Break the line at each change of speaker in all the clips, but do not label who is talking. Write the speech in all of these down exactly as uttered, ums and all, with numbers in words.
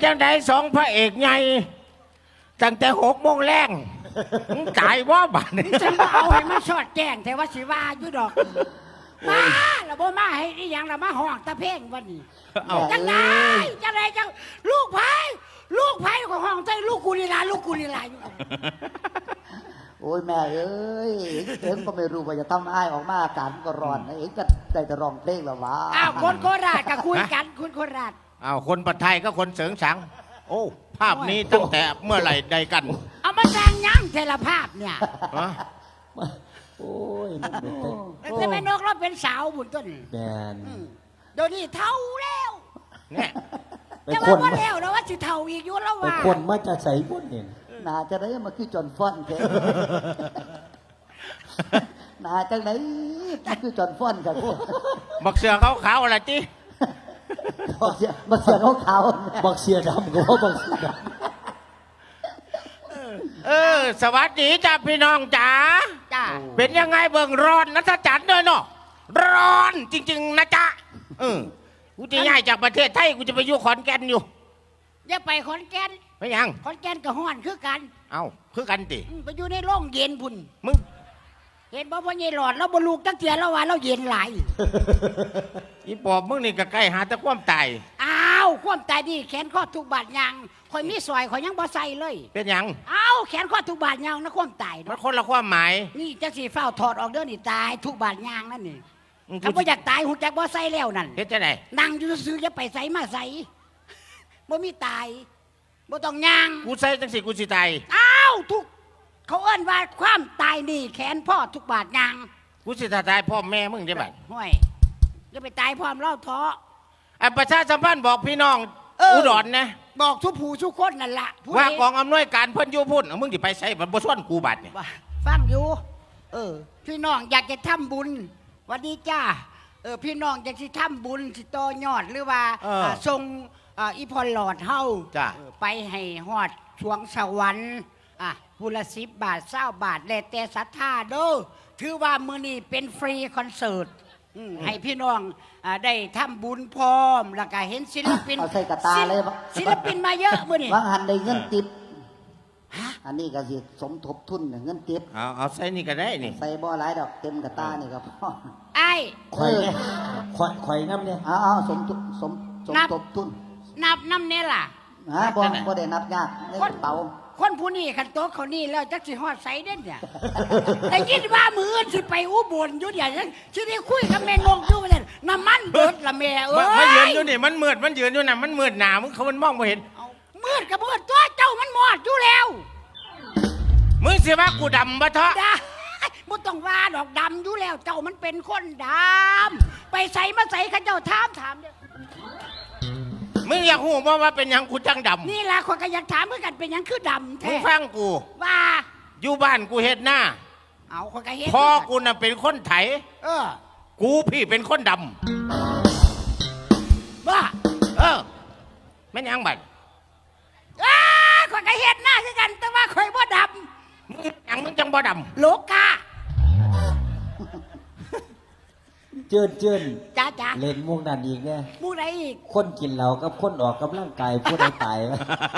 จังไดสองพระเอกไงตั้งแต่หกโมงแรงจ่ายว่าบาทนี่
ฉันบ่เอาให้มันสอดแจ้งแต่ว่าสิว่าอยู่ดอกมาแล้วบ่มาให้อีหยังล่ะมาห้องตะเพ่งวันนี้จังไดจังไดจังลูกไผลูกไผของห้องใจลูกกูนี่ล่ะลูกกูนี่ล่ะอยู่
โอ้ยแม่เอ้ยเอ็งก็ไม่รู้ว่าจะทำอ้ายออกมาอากาศก็ร้อนเอ็งก็ได้แต่ร้องเพลงแล้ววะ
อ้าวคนโคราชก็คุยกันคุณโคราช
อ้าวคนปัทไทยก็คนเสริงสังโอ้ภาพนี้ตั้งแต่เมื่อไหร่ใดกัน
เอามาแสดงยังเทลภาพเนี่ย
โอ้ย
แต่แม่นกเราเป็นสาวบุญต้น
แมน
เดี๋ยวนี้เท่าแล้ว
เนี่ย
จะว่าว่าแล้วนะว่าสิเท่าอีกอยู่แล้วว่า
คนมาจะใส่บุญเนี่ยน่าจะได้มาคือจอนฟอนแค่น่าจะไหนมาคือจอนฟอนกับพวก
บักเสือเขาขาวอะไรจี
บักเสือบักเสือเขาขาวบักเสือดำก็บักเสือดำ
เออสวัสดีจ้าพี่น้องจ๋าจ้าเป็นยังไงเบิ่งร้อนนะท่าจัดเด้อเนาะร้อนจริงๆนะจ๊ะเออกูจะย้ายจากประเทศไทยกูจะไปอยู่ขอนแก่นอยู่
อย่าไปขอนแก่น
ไม่ยัง
ขอนแก่นกับฮ้อนคือกัน
เอ้าคือกันติ
ไปอยู่ในโรงเย็นพุ่น
มึง
เห็นบ่พ่อใหญ่หลอดแล้วบ่ลูกตั้งเตียแล้วว่าเราเย็นหลาย
อีปอบมึงนี่ก็ใกล้หาแต่ความตาย
อ้าวความตายนี่แขนข้อทุกบาดยางข่อยมีซอยข่อยยังบ่ใส่เลย
เป็นหยัง
อ้าวแขนข้อทุกบาดยางนะความตาย
มันคนละความหมาย
นี่จังสิเฝ้าถอดออกเด้อนี่ตายทุกบาดยางนั่นนี่ถ้าบ่อยากตายหูจักบ่ใส่แล้วนั่น
เฮ็ดจังได๋
นั่งอยู่ซื่อๆอย่าไปใส่มาใส่บ่มีตายบ่ต้องย่าง
กูใส่จังสิกูสิตาย
อ้าวทุกเขาเอิ้นว่าความตายนี่แขนพ่อทุกบาดยาง
กูสิตายพ่อแม่มึงได้บัด
ห้วยจะไปตายพร้อมเล่าท้อ
ไอ้ประชาสัมพันธ์บอกพี่น้องอุดรนะ
บอกทุกผู้ทุกคนนั่นล่ะ
ว่ากองอำนวยการเพิ่นอยู่พุ่นมึงสิไปใส่บ่บ่ชวนกูบัดนี่
ฟังอยู่เออพี่น้องอยากจะทำบุญวันนี้จ้าเออพี่น้องอยากสิทำบุญสิต่อยอดหรือว่าส่งอีพอลหลอดเฮาไปให้ฮอดช่วงสวรรค์อ่ะบุละสิบบาทเศร้าบาทแล้วแต่ศรัทธาเด้อถือว่ามื้อนี้เป็นฟรีคอนเสิร์ตให้พี่น้องได้ทำบุญพร้อมแล้วก็เห็นศิลปิน
เอาใส่กระตาเลย
ศิลปินมาเยอะมื้อนี้
บางหันได้เงินติดอันนี้ก็สิสมทบทุนเงินติด
เอาเอาใส่นี่ก็ได้นี่
ใส่บ่หลายดอกเต็มกระตานี่ก็พอ
ไอ้
ข่อยเนี่ยข่อยข่อยน้ำเนี่ยเอาเอาสมทบสมสมทบทุน
นับน้ำเนี่ยล่ะ
ฮะบ่บ่ได้นับยากในกระเป๋า
คนผู้นี้ขันโต๊ะเขานี่แล้วจักสิฮอดใสเด่นเนี่ยแต่คิดว่ามือสิไปอุบลอยู่เดี๋ยวนั้นสิได้คุยกับแม่นงอยู่ว่าน้ำมันเบิดละแม่เอ้ย
มันยืนอยู่นี่มันมืดมันยืนอยู่น่ะมันมืดหนามึงเขามันมองไม่เห็น
มืดกับมืดตัวเจ้ามันมอดอยู่แล้ว
มึงสิว่ากูดำบ่เถอะ
มึงต้องว่าดอกดำอยู่แล้วเจ้ามันเป็นคนดำไปใส่มาใส่ข้าเจ้าถามถามเด้อ
มึงอยากหูว่าว่าเป็นยังกูจังดำ
นี่แหละคนก็อยากถามเหมือนกันเป็นยังคือดำแท้
มึงฟังกู
ว่า
อยู่บ้านกูเฮ็ดหน้า
เอาคนก็เฮ็ด
พ่อกูน่ะเป็นคนไถ
เออ
กูพี่เป็นคนด
ำบ้า
เออไม่ยังบัด
อ้าคนก็เฮ็ดหน้าคือกันแต่ว่าคอยบ่ด
ำมึงยังมึงจังบ่ด
ำโลกา
เจินเจิน
จ้าจ้า
เล่นมุกนั่นอีกเนี่ย
มุกไหนอีก
คนกินเหล้ากับคนออกกำลังกายผู้ใดตาย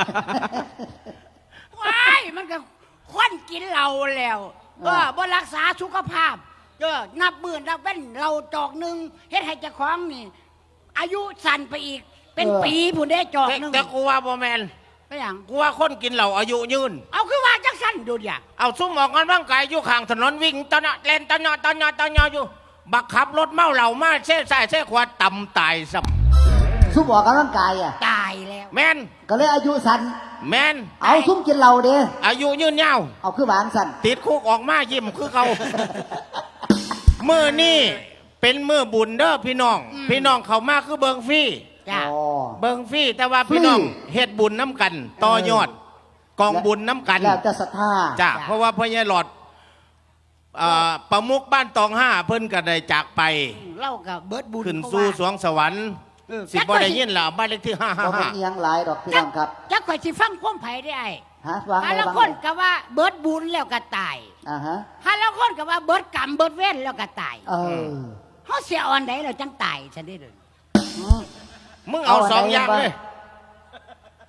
ว้ายมันก็คนกินเหล้าแล้วเออบ่รักษาสุขภาพเออนับหมื่นนับเป็นเราจอกหนึ่งเฮ็ดให้เจ้าของนี่อายุสั้นไปอีกเป็นปีผู้ได้จอกหนึ่ง
แต่กูว่าบ่แมน
ไม่อย่าง
กูว่าคนกินเหล้าอายุยืน
เอาคือว่าจังสั้นดูดิ
เอาซุ่มออกกำลังกายอยู่ข้างถนนวิ่งตะเนาะเล่นตะเนาะตะเนาะตะเนาะอยู่บักขับรถเมาเหล่ามาเช่ใส่เช่ขวาต่ำตายซ้
ำซุ่มออกกำลังกายอ่ะ
ตายแล้ว
แมน
ก็เลยอายุสั้น
แมน
เอาซุ่มกินเหล้าเด้
อายุยืนยาว
เอาคือหวานสั้น
ติดคุกออกมายิ้มคือเขามือนี่เป็นมือบุญเด้อพี่น้องพี่น้องเขามาคือเบิงฟรีเบิงฟรีแต่ว่าพี่น้องเฮ็ดบุญน้ำกันต่อยอดกองบุญน้ำกัน
แล้วจะศรัทธา
จ้ะเพราะว่าพ่อใหญ่หลอดประมุขบ้านตองห้าเพิ่นก็ได้จากไป
เล่ากับเบิดบุญ
ขึ้นสู่สวงสวรรค์สิบ่ได้ยินล่ะบ้านเลขที่ห้าห้าห้า
บ่เป็นยังหลายดอกพี่น้องครับ
จักข่อยสิฟังความไผได้ไอ้
ฮะฟัง
ฮะแล้วคนก็ว่าเบิดบุญแล้วก็ตาย
อ่าฮะ
ฮะแล้วคนก็ว่าเบิดกรรมเบิดเวรแล้วก็ตาย
เออ
เฮาเสียอ่อนใดแล้วจังตายซั่นเด้อ
มึงเอาสองอย่างเลย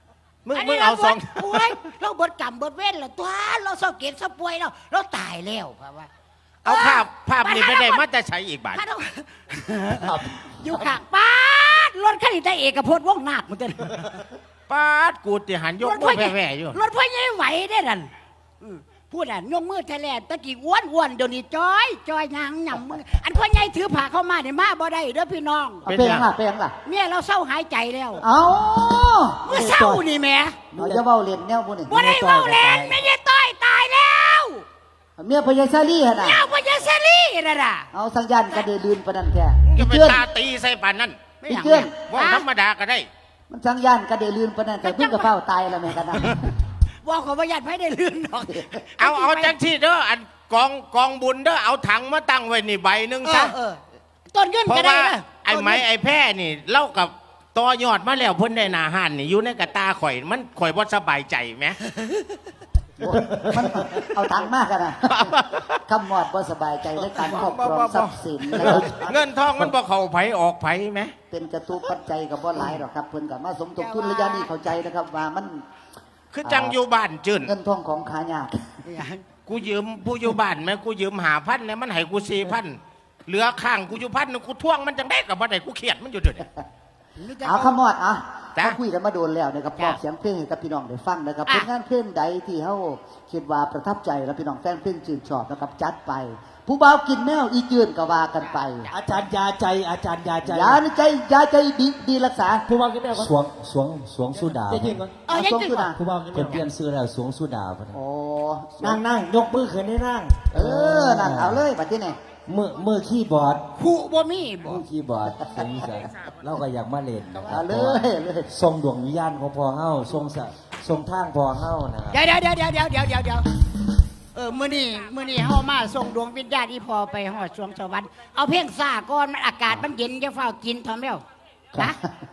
มึง
อัน
มึ
นี้
ง
เรา
เอา
บ
สอง
ดป่วยเราบดกรรมบดเว้นแล้วตัวเราเศร้าเกลียดเศร้าป่วยแล้วเราตายแล้วเพราะว่า
เอาภาพภาพนี้ไปได้มาจะใช้อีกบาท
ถ้าเราอยู่ข้างป้าดรถคันนี้ได้เอกพจน์ว่องนาคเหมือนกัน
ป้าดกูติหันยกมือแผ่ๆอยู่
รถพ่อใหญ่ไหวได้ดันอืมพูดอ่ะยกมือแทแลนตะกี้อ้วนอ้วนเดี๋ยวนี้จอยจอยยางหย่ำมืออันพ่อใหญ่ถือผ้าเข้ามาเนี่ยมาบ่ได้เด้อพี่น้อง
เอาเปยงล่ะเปยงล่ะ
เมียเราเศร้าหายใจแล้ว
เอา
เมื่อเศร้านี่แหม่
เราจะเว้าเล่นแนวพวกนี้
บ่ได้เว้าแรงไม่ใช่ต้อยตายแล้ว
เมียพญาซาลี่หั่นน่ะ
เมียพ่อใหญ่เซรี่นั่นน่ะ
เอาสังยานกระเดลืนปานนั้นแท้
จะ
อี
ไป
เจือน
ตาตีใส่ปานนั้น
อีเจือน
ว่าธรรมดาก็ได้
มันสังยานกระเดลืนปานนั้นแต่เพิ่งกระเฝ้าตายแล้วแม่กันนะ
ว่าขอประหยัดให้ได้ลื่นดอก
เอาเอาจังที่เด้ออันกองกองบุญเด้อเอาถังมาตั้งไว้นี่ใบหนึง
เอ
ซะ
อเออต้นเงิน
เพ
ก็
ราะ
ได้
ว่า
นะ
ไอ้ไม้ไอ้แพร่นี่เล่ากับต่อยอดมาแล้วเพิ่นได้หนาหันนี่อยู่ในกระตาข่อยมันข่อยบ่สบายใจไหม
มันเอาตังค์มากกันนะคำมอดบ่สบายใจและการครอบครองทรัพย์สินนะครับ
เงินทองมันบ่เข้าไผออกไผไหม
เป็นจตุปัจจัยกับบ่หลายหรอกครับเพิ่นก็มาสมทบทุนระยะนี้เข้าใจนะครับว่ามัน
คือจังอยู่บ้านจื่น
เงินทองของขายาก
กูยืมผู้อยู่บ้านไหมกูยืมหาพันเนี่ยมันให้กูสี่พันเหลือข้างกูอยู่พันนึงกูท่วงมันจังได้กับบ่ได้กูเครียดมันอยู่เดี๋ยวนี้
เอาคำมอดอ่ะ
จ้ะ
เขาคุยกันมาโดนแล้วนะครับม
จ้ะ
อบเสียงเพลงให้กับพี่น้องได้ฟังนะครับ
อ่ะ
เป็นงานเพลงใดที่เฮาคิดว่าประทับใจแล้วพี่น้องแฟนเพลงชื่นชอบนะครับจัดไป ผู้บ่าวกินแมวอีจืนก็ว่ากันไป
อาจารย์ยาใจอาจารย์ยาใจ
ยาในใจยาใจดีดีรักษา
ผู้ว่ากินแม่ก่อน
สวงสวงสวงสุดา
จะยิงก่อน
เอายัง
สม
ไง
สุ
ก่อ
ดาน
ผู้ว่ากิน
เพิ่
แม่
นเปลี่ยนซื้อแล้วสวงสุดาพุ่น
โอ้
นั่งนั่งยกมือขึ้นให้นั่ง
เออนั่นเอาเลยบัดนี้นี่
มือมือคีย์บอร์ด
ผู้บ่มีบ่
มือคีย์บอร์ดเป็นนิสัยเราก็อยากมาเล่นนะครั
เอา
บ
เลยเลย
ทรงดวงวิญญาณของพ่อเฮาทรงสะทรงทางพ่อเฮานะครับ
เดี๋ยวเดี๋ยวเดี๋ยวเดี๋ยวเดี๋ยวเดี๋ยวเดี๋ยวเดี๋ยวเออมื้อนี้มื้อนี้เฮามาส่งดวงวิญญาณอีพอไปฮอดสวงสวรรค์เอาเพียงซ่าก่อนมันอากาศมันเย็นจะเฝ้ากินทอมแล้วนะ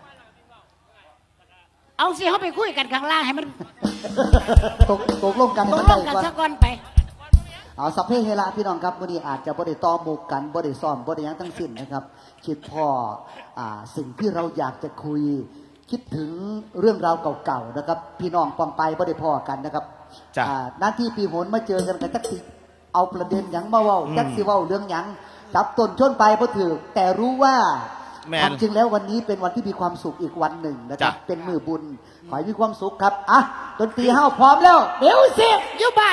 เอาสิเฮาไปคุยกันข้างล่างให้มัน
ตกตกลงกัน
ต
ให้
ก
มัน
ล
ได้
งกัน
ก่อน
ซะก่อนไป
เอาสัพเพเฮระพี่น้องครับวันนี้อาจจะบ่ได้ต่อหมู่กันบ่ได้ซ้อมบ่ได้หยังทั้งสิ้นนะครับ คิดพ่ออ่าสิ่งที่เราอยากจะคุย คิดถึงเรื่องราวเก่าๆนะครับ พี่น้องปองไปบ่ได้พ่อกันนะครับ
จ้ะ
อ่าหน้าที่ปีโหนมาเจอกันกันจักสิเอาประเด็นหยังมาเว้าจักสิเว้าเรื่องหยังจับต้นชนไปบ่ถือแต่รู้ว่า
แม่น
ความจริงแล้ววันนี้เป็นวันที่มีความสุขอีกวันหนึ่งนะครับ
จ้ะ
เป็นมือบุญขอให้มีความสุขครับอ่ะดนตรีเฮาพร้อมแล้วเดี๋ยวสิ
อยู่บ้าน